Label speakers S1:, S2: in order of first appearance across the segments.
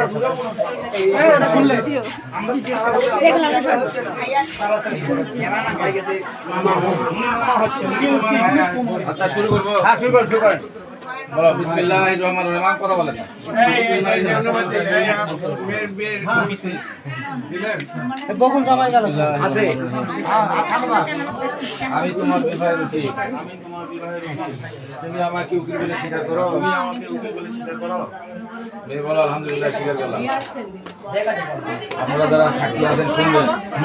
S1: আচ্ছা শুরু করবো। বলো বিসমিল্লাহির রহমানির রহিম। কথা বলেন না।
S2: বকুল জামাই গেল আছে।
S1: আমি তোমার বিবাহের উকিল। তুমি আমাকে উকিল বলে স্বীকার করো। মেয়ে বলো আলহামদুলিল্লাহ স্বীকার করলাম। আপনারা যারা সাক্ষী আছেন শুনবেন।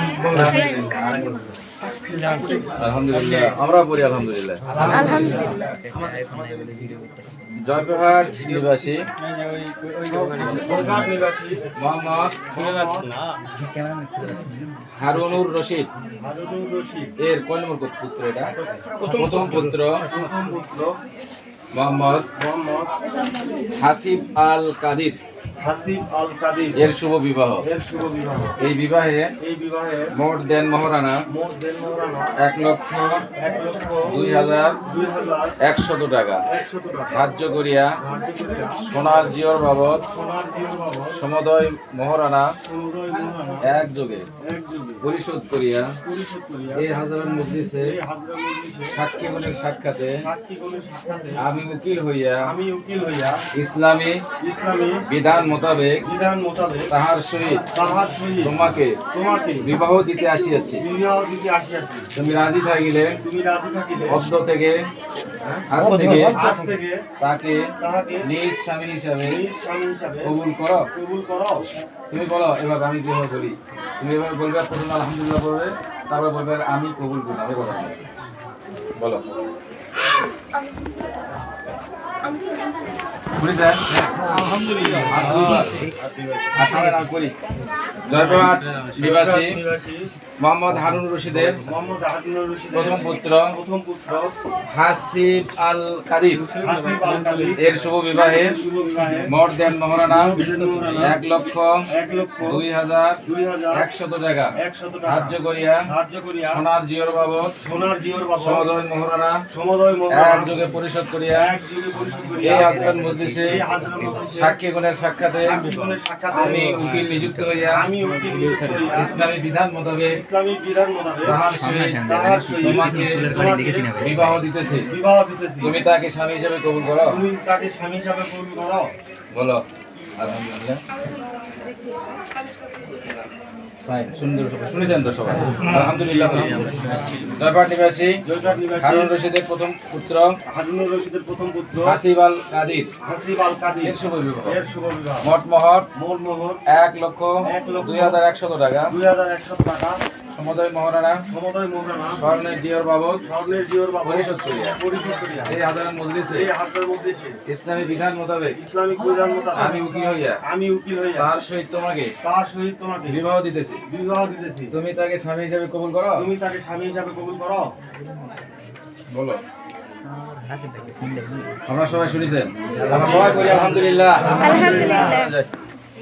S1: আলহামদুলিল্লাহ আমরা পড়ি আলহামদুলিল্লাহ। জয়পুরহাট নিবাসী মোহাম্মদ হারুনুর রশিদ এর কয় নম্বর পুত্র? এটা প্রথম পুত্র মোহাম্মদ হাসিব আল কাদির এর শুভ বিবাহ। এই বিবাহে মোট দেন মহারানা 1,02,100 টাকা ধার্য করিয়া সোনার জিওর বাবদ সমুদয় মহারানা একযোগে পরিশোধ করিয়া এই হাজারের মজলিসে সাক্ষীগণের সাক্ষাতে আমি উকিল হইয়া ইসলামী বিধান মোতাবেক তাহার সহিত তোমাকে বিবাহ দিতে আসিয়াছি। তুমি রাজি থাকিলে অদ্য থেকে আজ থেকে তাকে নিজ স্বামী হিসাবে কবুল করো। তুমি বলো এবার আমি যেভাবে বলি তুমি এবার বলবে, প্রথমে আলহামদুলিল্লাহ বলবে, তারপর বলবে আমি কবুল করলাম। বলো জয়পুরহাট নিবাসী মোহাম্মদ হারুন রশিদের প্রথম পুত্র হাসিব আল কাদির এর শুভ বিবাহের মোট দেন মহারানা 1,02,100 টাকা ধার্য করিয়া সোনার জিওর বাবদ সমুদয় মহারানা একযোগে পরিশোধ করিয়া এই হাজরাত মজলিসে সাক্ষীগণের সাক্ষাতে আমি উকিল নিযুক্ত হইয়া ইসলামী বিধান মোতাবেক তাহার সহিত তোমাকে বিবাহ দিতেছি। তুমি তাকে স্বামী হিসেবে কবুল করো। বলো আলহামদুলিল্লাহ। সুন্দর শুনেছেন তো সবাই? আলহামদুলিল্লাহ। জয়পুরহাট নিবাসী হারুন রশিদের প্রথম পুত্র হাসিব আল কাদির এর শুভ বিবাহ। মোট মোহর 1,02,100 টাকা সমুদয় মহারানা স্বর্ণের জিওর বাবদ পরিশোধ করিয়া এই হাজারের মজলিসে ইসলামী বিধান মোতাবেক আমি উকিল হইয়া তার সহিত তোমাকে বিবাহ দিতেছি। তুমি তাকে স্বামী হিসাবে কবুল করো। বলো আমরা সবাই শুনেছেন? আমরা সবাই বলি আলহামদুলিল্লাহ।